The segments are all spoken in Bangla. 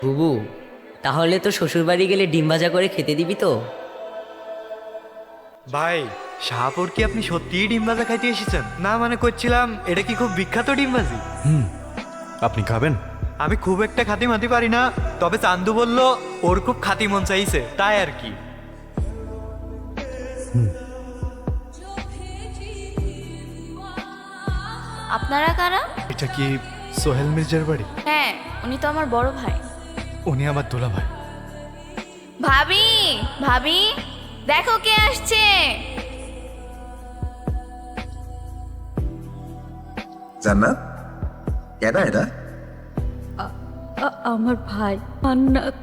বুবু, তাহলে তো শ্বশুরবাড়ি গেলে ডিম ভাজা করে খেতে দিবি তো? ভাই, শাহপুর কি আপনি সত্যিই ডিম ভাজা খাইতে এসেছেন? না মানে করছিলাম এটা কি খুব বিখ্যাত ডিম ভাজি? আপনি খাবেন? আমি খুব একটা খাতি মাতি পারি না, তবে চান্দু বলল ওর খুব খাতি মন চাইছে, তাই আর কি। আপনারা কারা? এটা কি সোহেল মির্জার বাড়ি? হ্যাঁ, উনি তো আমার বড় ভাই। উনি আমার দোলা ভাই। ভাবি, ভাবি, দেখো কে আসছে। জান্নাত, কেডা এটা? আমার ভাই মান্নাত।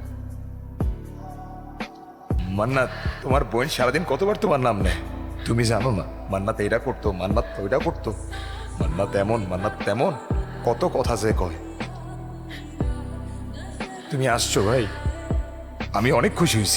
মান্নাত, তোমার বোন সারাদিন কতবার তোমার নাম নেয়? তুমি জানো না মান্নাত এটা করতো, মান্নাত ওইটা করতো, মান্নাত এমন মান্নাত তেমন, কত কথা যে কয়। তুমি আসছো ভাই, আমি অনেক খুশি হয়েছি।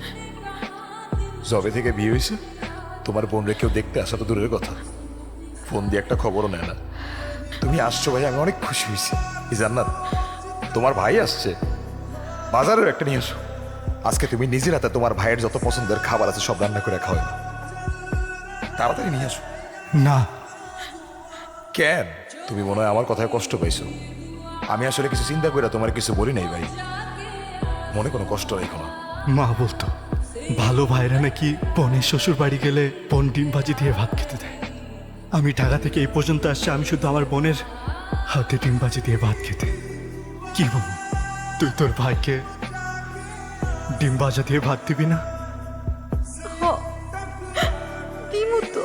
জবে থেকে বিয়ে হয়েছে, তোমার বোনরে কেউ দেখতে আসা তো দূরের কথা, ফোন দিয়ে একটা খবরও নেয় না। তুমি আসছো ভাই, আমি অনেক খুশি হয়েছি। এই জান্নাত, তোমার ভাই আসছে, বাজারের একটা নিয়ে এসো। আজকে তুমি নিজের হাতে তোমার ভাইয়ের যত পছন্দের খাবার আছে সব রান্না করে খাওয়াবে। তাড়াতাড়ি নিয়ে আসো। না, কেন? তুমি মনে হয় আমার কথায় কষ্ট পাইছো। আমি আসলে কিছু চিন্তা করে তোমার কিছু বলি নাই ভাই, মনে কোনো কষ্ট রেখো না। মা বলতো ভালো ভাইরা নাকি বোনের শ্বশুর বাড়ি গেলে বোন ডিম ভাজি দিয়ে ভাত খেতে দেয়। আমি ঢাকা থেকে এই পর্যন্ত আসছি আমি শুধু আমার বোনের হাতে ডিম ভাজি দিয়ে ভাত খেতে। কি বল, তুই তোর ভাইকে ডিম ভাজা দিয়ে ভাত দিবি না? দিমু তো।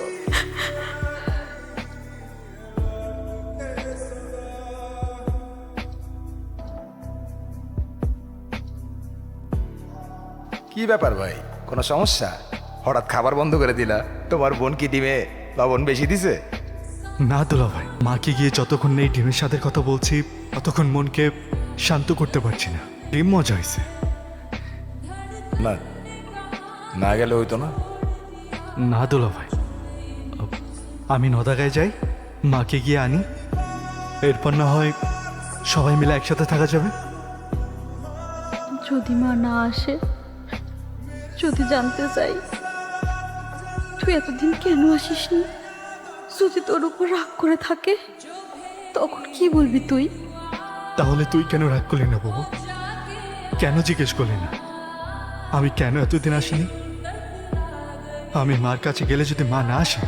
কি ব্যাপার ভাই, কোনো সমস্যা? হঠাৎ খাবার বন্ধ করে দিলা? তোমার বোন কি ডিমে লবণ বেশি দিছে? না দোলা ভাই, মাকে গিয়ে যতক্ষণ এই ডিমের স্বাদের কথা বলছি ততক্ষণ মনকে শান্ত করতে পারছি না। ডিম মজা হয়েছে। না, না গেলে হইতো না। না দোলা ভাই, আমি নদাগায় যাই, মাকে গিয়ে আনি, এরপর না হয় সবাই মিলে একসাথে থাকা যাবে। যদি মা না আসে, যদি জানতে চাই তুই এতদিন কেন আসিসনি, যদি তোর উপর রাগ করে থাকে, তখন কি বলবি তুই? তাহলে তুই কেন রাগ করলি না বাবু? কেন জিজ্ঞেস করলি না আমি কেন এতদিন আসিনি? আমি মার কাছে গেলে যদি মা না আসে,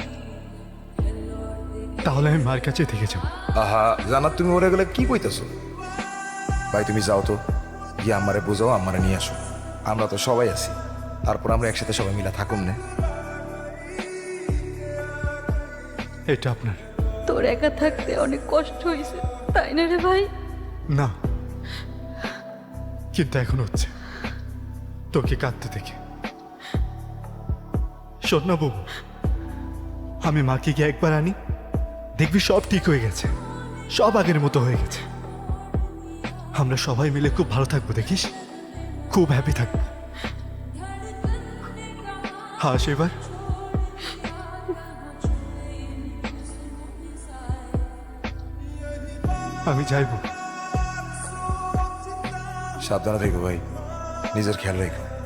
তাহলে আমি মার কাছে থেকে যাব। আহা জানাত, তুমি ওরে গেলে কি কইতেছো? ভাই তুমি যাও তো, গিয়ে আমারে বুঝাও, আমারে নিয়ে আসো। আমরা তো সবাই আছি, তারপর আমরা একসাথে সবাই মিলে থাকুন না। এটা আপনার। তোর একা থাকতে অনেক কষ্ট হয়েছে, তাই না রে ভাই? না, কিন্তু এখন হচ্ছে তোকে কাঁদতে দেখে। শোন না বাবু, আমি মাকে গিয়ে একবার আনি, দেখবি সব ঠিক হয়ে গেছে, সব আগের মতো হয়ে গেছে। আমরা সবাই মিলে খুব ভালো থাকবো, দেখিস, খুব হ্যাপি থাকবো। হাস এবার। আমি যাইব। সাবধানে থেকো ভাই, নিজের খেয়াল রেখো।